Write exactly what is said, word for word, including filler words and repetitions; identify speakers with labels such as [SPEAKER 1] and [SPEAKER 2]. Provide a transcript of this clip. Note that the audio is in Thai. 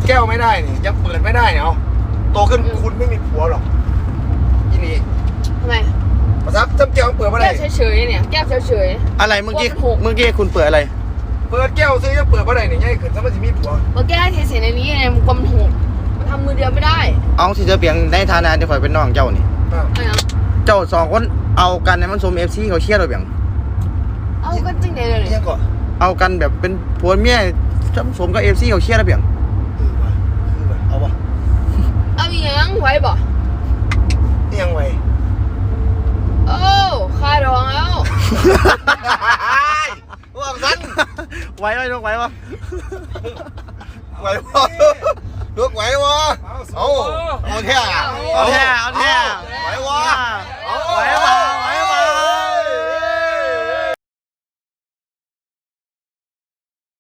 [SPEAKER 1] แก้วไม่ได้นี่ยังเปิดไม่ได้เนี่ยเอาโตขึ้นคุณไม่มีผัวหรอกอีนี่
[SPEAKER 2] ทำไม
[SPEAKER 1] ภาษาจำแก้วเปิดไม่ได้
[SPEAKER 2] แก้วเฉยๆเนี่ยแก้วเฉย
[SPEAKER 3] อะไรเมื่อกี้เมื่อกี้คุณเปิดอะไร
[SPEAKER 1] เปิดแก้วซื้อยังเปิดไม่ได้เนี่ยยังขึ้นสมัยที่มีผัว
[SPEAKER 2] ๆมาแก้เทๆในนี้ไงมันกลมหกมันทำมือเดียวไม่ได้
[SPEAKER 3] เอาสิจะเปลี่ยนในฐานะที่ข่อยเป็นน้องเจ้านี่
[SPEAKER 1] อ้าว
[SPEAKER 2] อะไรนะ
[SPEAKER 3] เจ้าสองคนเอากันในมันสมเอฟซีเขาเชียร์เราเปลี่ยน
[SPEAKER 2] เอากันจริงเลยเลย
[SPEAKER 1] ยังก่อน
[SPEAKER 3] เอากันแบบเป็นผัวเมียสมกับเอฟซีเขาเชียร์เราเปลี่ยน
[SPEAKER 1] เออว่ะคือว่ะเอาวะ
[SPEAKER 2] เอาอีหยังไว้บ่
[SPEAKER 1] นี่ยังไง
[SPEAKER 2] โอ้ค่าดองแล้ว
[SPEAKER 1] ว่าสั้น
[SPEAKER 3] ไหวไหมลูกไหวปะ
[SPEAKER 1] ไหววะลูกไหววะเอาเอาแท้
[SPEAKER 3] เอาแท้เอาแท้
[SPEAKER 1] ไหววะ
[SPEAKER 3] ไหวปะไหว